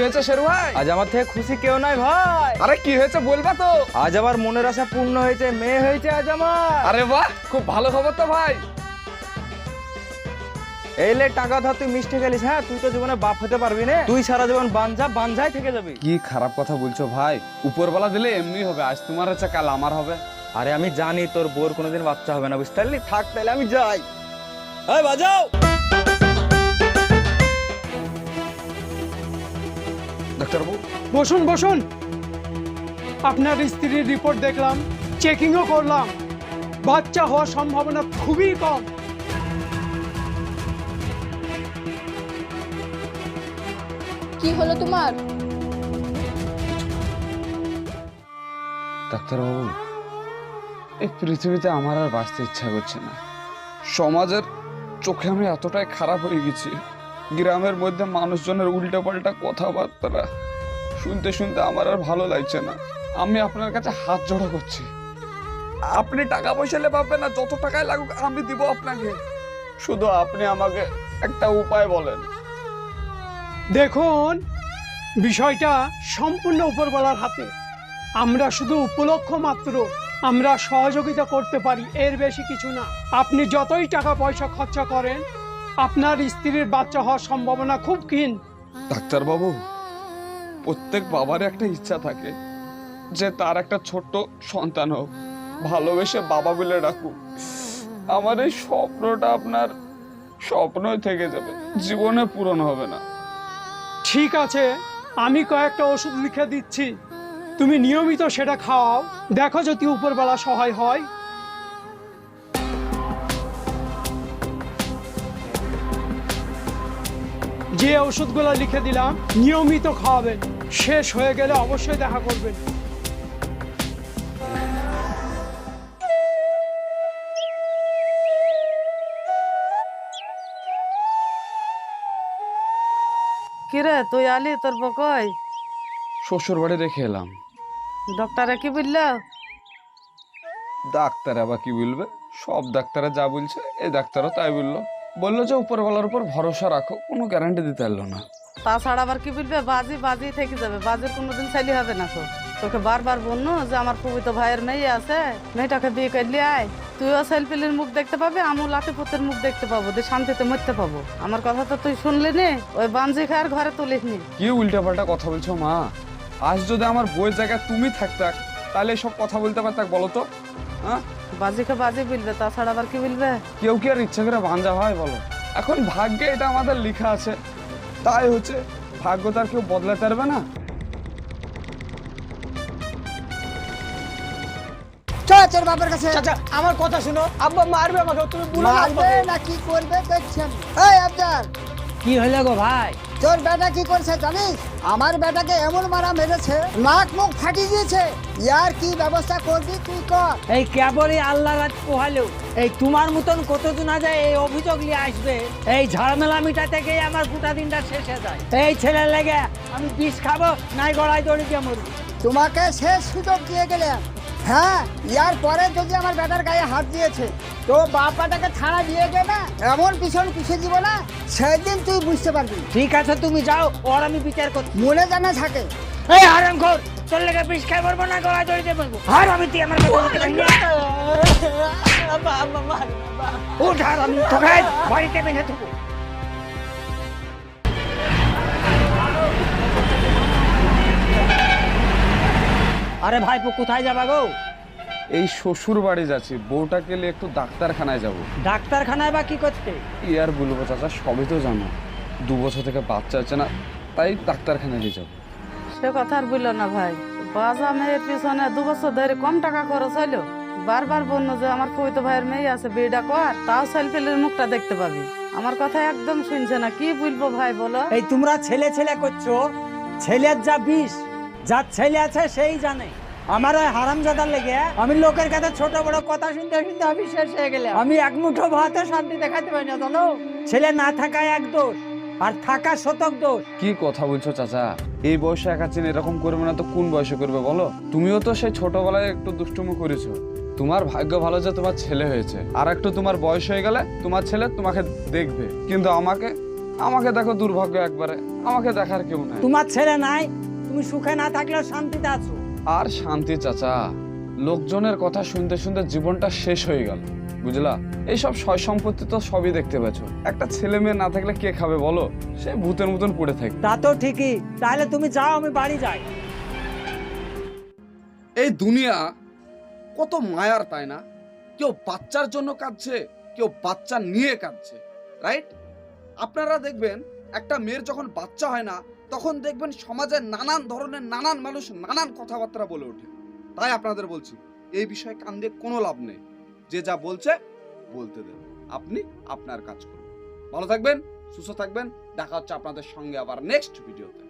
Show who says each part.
Speaker 1: হয়েছে শেরু ভাই?
Speaker 2: আজ আমার থেকে খুশি কেউ নাই ভাই।
Speaker 1: আরে কি হয়েছে বলবা তো?
Speaker 2: আজ আমার মনের আশা পূর্ণ হয়েছে, মেয়ে হয়েছে আজ আমার।
Speaker 1: আরে বাহ, খুব ভালো খবর তো ভাই।
Speaker 2: এই লে টাকা ধর, তুই মিষ্টি গেলিস। হ্যাঁ, তুই তো জীবনে বাপ হতে পারবি না, তুই সারা জীবন বাঞ্ঝাই থেকে যাবি।
Speaker 1: কি খারাপ কথা বলছো ভাই? উপরবেলা দিলে এমনি হবে, আজ তোমার হচ্ছে কাল আমার হবে।
Speaker 2: আরে আমি জানি তোর বোর কোনোদিন বাচ্চা হবে না, বুঝতে পারলি? থাক তাহলে আমি যাই। এই বাজাও।
Speaker 1: ডাক্তারবাবু,
Speaker 3: বসুন বসুন। আপনার স্ত্রীর রিপোর্ট দেখলাম, চেকিংও করলাম, বাচ্চা হওয়ার সম্ভাবনা খুবই কম।
Speaker 4: কি হলো তোমার?
Speaker 1: ডাক্তারবাবু, এই পৃথিবীতে আমার আর বাঁচতে ইচ্ছা করছে না। সমাজের চোখে আমি এতটাই খারাপ হয়ে গেছি, গ্রামের মধ্যে মানুষজনের উল্টাপাল্টা কথাবার্তা শুনতে শুনতে আমার আর ভালো লাগছে না। আমি আপনার কাছে হাত জোড়া করছি, আপনি টাকা পয়সা নিয়ে পাবেন না, যত টাকায় লাগুক আমি দিব আপনাকে। শুধু আপনি আমাকে একটা উপায় বলেন।
Speaker 3: দেখুন, বিষয়টা সম্পূর্ণ উপরওয়ালার হাতে। আমরা শুধু উপলক্ষ মাত্র, আমরা সহযোগিতা করতে পারি, এর বেশি কিছু না। আপনি যতই টাকা পয়সা খরচা করেন, আপনার স্ত্রীর বাচ্চা হওয়ার সম্ভাবনা খুব ক্ষীণ।
Speaker 1: ডাক্তারবাবু, প্রত্যেক বাবার একটা ইচ্ছা থাকে যে তার একটা ছোট্ট সন্তান হোক, ভালোবেসে বাবা বলে ডাকুক। আমার এই স্বপ্নটা আপনার স্বপ্নই থেকে যাবে, জীবনে পূরণ হবে না।
Speaker 3: ঠিক আছে, আমি কয়েকটা ওষুধ লিখে দিচ্ছি, তুমি নিয়মিত সেটা খাওয়াও, দেখো যদি উপরওয়ালা সহায় হয়। যে ওষুধগুলো লিখে দিলাম নিয়মিত খাওয়াবেন, শেষ হয়ে গেলে অবশ্যই দেখা করবেন।
Speaker 5: কিরে তুই আলি, তোর বকই
Speaker 1: শ্বশুর বাড়ি রেখে এলাম।
Speaker 5: ডক্টরে কি বললো?
Speaker 1: ডাক্তার আবার কি বলবে, সব ডাক্তাররা যা বলছে এই ডাক্তারও তাই বললো যে উপরওয়ালার উপর ভরসা রাখো, কোনো গ্যারান্টি দিতে পারলো না।
Speaker 5: তাছাড়া আবার কি বলবে, বাজি থেকে যাবে, বাজির কোনোদিন চাইলে হবে না। তো তোকে বারবার বললো যে আমার পবিত্র ভাইয়ের মেয়ে আছে, মেয়েটাকে বিয়ে করলে আয়, তুইও সেলফিলের মুখ দেখতে পাবি, আমিও লাঠিপুতের মুখ দেখতে পাবো, দিয়ে শান্তিতে মরতে পাবো। আমার কথা তো তুই শুনলি নি, ওই বাঞ্জি খায়ের ঘরে তুলিস নি।
Speaker 1: কি উল্টাপাল্টা কথা বলছো মা? আজ যদি আমার বইয়ের জায়গায় তুমি থাকতাক তাহলে সব কথা বলতে পারতাক, বলো তো? হ্যাঁ,
Speaker 5: বাজিকে বাজি বলবে, তাছাড়া আবার কি বলবে?
Speaker 1: কেউ কি আর ইচ্ছা করে ভাঞ্জা হয় বলো? এখন ভাগ্যে এটা আমাদের লেখা আছে, তাই হচ্ছে। ভাগ্য তার কেউ বদলাতে পারবে না।
Speaker 6: চল বাবার কাছে।
Speaker 3: চাচা আমার কথা শুনো, আব্বা মারবে আমাকে, তুমি বলো
Speaker 6: মারবে না কি করবে দেখছেন। এই আবদার,
Speaker 7: কি হলো গো ভাই?
Speaker 6: তোর বেটা কি করছে জানিস? আমার বেটাকে এমন মারা মেরেছে, নাক মুখ ফাটিয়ে দিয়েছে। ইয়ার কি ব্যবস্থা করবি তুই কর।
Speaker 7: এই কেবলই আল্লাহ রাত পোহালো, এই তোমার মতন কতজন আছে এই অভিযোগ নিয়ে আসবে, এই ঝামেলা মিটাতে গিয়ে আমার গোটা দিনটা শেষ হয়ে যায়। এই ছেলে লেগে আমি বিষ খাবো, নাই গড়াই দড়ি দিয়ে মরবো।
Speaker 6: তোমাকে শেষ সুযোগ দিয়ে গেলাম। হ্যাঁ, ইয়ার পরে যদি আমার বেটার গায়ে হাত দিয়েছে তো বাপাটাকে থানা দিয়ে গে না, এমন পিছিয়ে দিব না, সেদিন তুই বুঝতে পারবি।
Speaker 7: ঠিক আছে তুমি যাও, ওর আমি বিচার করছি।
Speaker 6: মনে জানা থাকে।
Speaker 7: এই হারামখোর, তোর লেগে বিষ খাই মরবো না গড়াই দড়ি দিয়ে মরবো। আর আমি তুই আমার উঠ, আর আমি তোকে বাড়িতে বেঁধে থাকবো। আরে ভাইপো কোথায় যাবা গো?
Speaker 1: এই শ্বশুর বাড়ি যাচ্ছি, বউটাকে নিয়ে একটু ডাক্তারখানায় যাব।
Speaker 7: ডাক্তারখানায় বা কি করতে?
Speaker 1: কি আর বলবো চাচা, সবই তো জানো, 2 বছর থেকে বাচ্চা আছে না, তাই ডাক্তারখানায় নিয়ে যাবো।
Speaker 5: সে কথা আর বললো না ভাই, বাজা মেয়ের পিছনে 2 বছর ধরে কম টাকা খরচ হইলো, বারবার বললো যে আমার পবিত্র ভাইয়ের মেয়ে আছে, বিয়েটা কর, তাও সেলফিলের মুখটা দেখতে পাবি। আমার কথা একদম শুনছে না, কি বলবো ভাই বলো?
Speaker 7: এই তোমরা ছেলে করছো, ছেলের যা বিষ, যার ছেলে আছে সেই জানে। আমার ওই হারামজাদার লেগে আমি লোকের কাছে ছোট বড় কথা শুনতে শুনতে আমি শেষ হয়ে গেলাম। আমি এক মুঠো ভাতে শান্তি দেখাতে পারি না, জানো? ছেলে না থাকায় এক দোষ, আর থাকা শতক দোষ।
Speaker 1: কি কথা বলছো চাচা? এই বয়সে একাচিন এরকম করবে না তো কোন বয়সে করবে বলো? তুমিও তো সেই ছোটবেলায় একটু দুষ্টুমি করেছো। তোমার ভাগ্য ভালো যে তোমার ছেলে হয়েছে, আর একটু তোমার বয়স হয়ে গেলে তোমার ছেলে তোমাকে দেখবে, কিন্তু আমাকে দেখো দুর্ভাগ্য একবারে, আমাকে দেখার কেউ নাই।
Speaker 7: তোমার ছেলে নাই, তুমি সুখে না থাকলেও শান্তিতে আছো।
Speaker 1: আর শান্তি চাচা, লোকজনের কথা শুনতে শুনতে জীবনটা শেষ হয়ে গেল, বুঝলা? এইসব সয় সম্পত্তি তো সবই দেখতে পাচ্ছ, একটা ছেলে মেয়ে না থাকলে কে খাবে বলো? সে ভূতের মতন পড়ে থাকে।
Speaker 7: তা তো ঠিকই, তাহলে তুমি যাও, আমি বাড়ি যাই।
Speaker 1: এই দুনিয়া কত মায়ার, তাই না? কেউ বাচ্চার জন্য কাঁদছে, কেউ বাচ্চা নিয়ে কাঁদছে, রাইট? আপনারা দেখবেন একটা মেয়ের যখন বাচ্চা হয় না, তখন দেখবেন সমাজের নানান ধরনের নানান মানুষ নানান কথাবার্তা বলে ওঠে। তাই আপনাদের বলছি, এই বিষয়ে কান দিয়ে কোনো লাভ নেই। যে যা বলছে বলতে দেন, আপনি আপনার কাজ করুন। ভালো থাকবেন, সুস্থ থাকবেন, দেখা হচ্ছে আপনাদের সঙ্গে আবার নেক্সট ভিডিওতে।